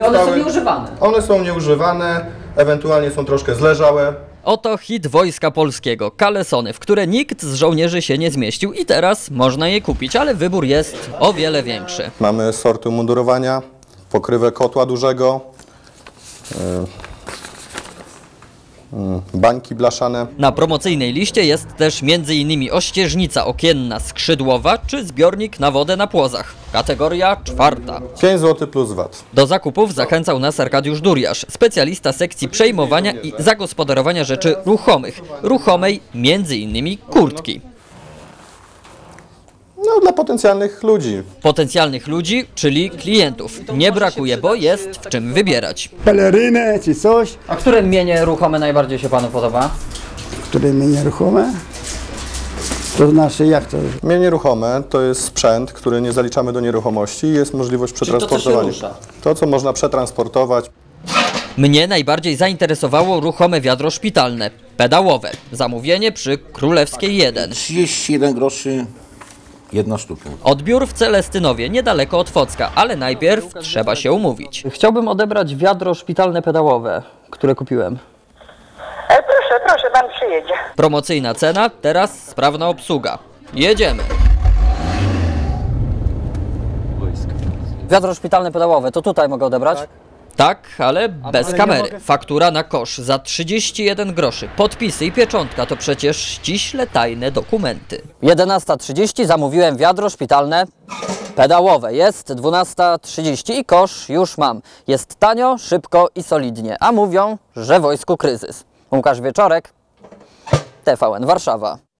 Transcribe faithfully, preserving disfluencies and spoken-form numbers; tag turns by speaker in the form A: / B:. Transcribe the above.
A: One są nieużywane.
B: One są nieużywane, ewentualnie są troszkę zleżałe.
C: Oto hit Wojska Polskiego, kalesony, w które nikt z żołnierzy się nie zmieścił i teraz można je kupić, ale wybór jest o wiele większy.
B: Mamy sorty umundurowania, pokrywę kotła dużego, bańki blaszane.
C: Na promocyjnej liście jest też między innymi ościeżnica okienna skrzydłowa czy zbiornik na wodę na płozach. Kategoria czwarta.
B: pięć złotych plus V A T.
C: Do zakupów zachęcał nas Arkadiusz Duriasz, specjalista sekcji przejmowania i zagospodarowania rzeczy ruchomych. Ruchomej między innymi kurtki.
B: No, dla potencjalnych ludzi.
C: Potencjalnych ludzi, czyli klientów. Nie brakuje, bo jest w czym wybierać.
D: Pelerynę czy coś,
A: A które mienie ruchome najbardziej się panu podoba?
D: które mnie nieruchome. To znaczy jak to?
B: Mienie nieruchome to jest sprzęt, który nie zaliczamy do nieruchomości i jest możliwość
A: to, co się
B: przetransportowania.
A: rusza.
B: To, co można przetransportować.
C: Mnie najbardziej zainteresowało ruchome wiadro szpitalne, pedałowe. Zamówienie przy Królewskiej jeden.
E: trzydzieści jeden groszy, jedna sztuka.
C: Odbiór w Celestynowie, niedaleko od Focka, ale najpierw trzeba się umówić.
A: Chciałbym odebrać wiadro szpitalne pedałowe, które kupiłem.
F: E, proszę, proszę, pan przyjedzie.
C: Promocyjna cena, teraz sprawna obsługa. Jedziemy.
A: Wiadro szpitalne pedałowe, to tutaj mogę odebrać?
C: Tak, ale bez kamery. Faktura na kosz za trzydzieści jeden groszy. Podpisy i pieczątka to przecież ściśle tajne dokumenty.
A: jedenasta trzydzieści zamówiłem wiadro szpitalne pedałowe. Jest dwunasta trzydzieści i kosz już mam. Jest tanio, szybko i solidnie. A mówią, że w wojsku kryzys. Łukasz Wieczorek, T V N Warszawa.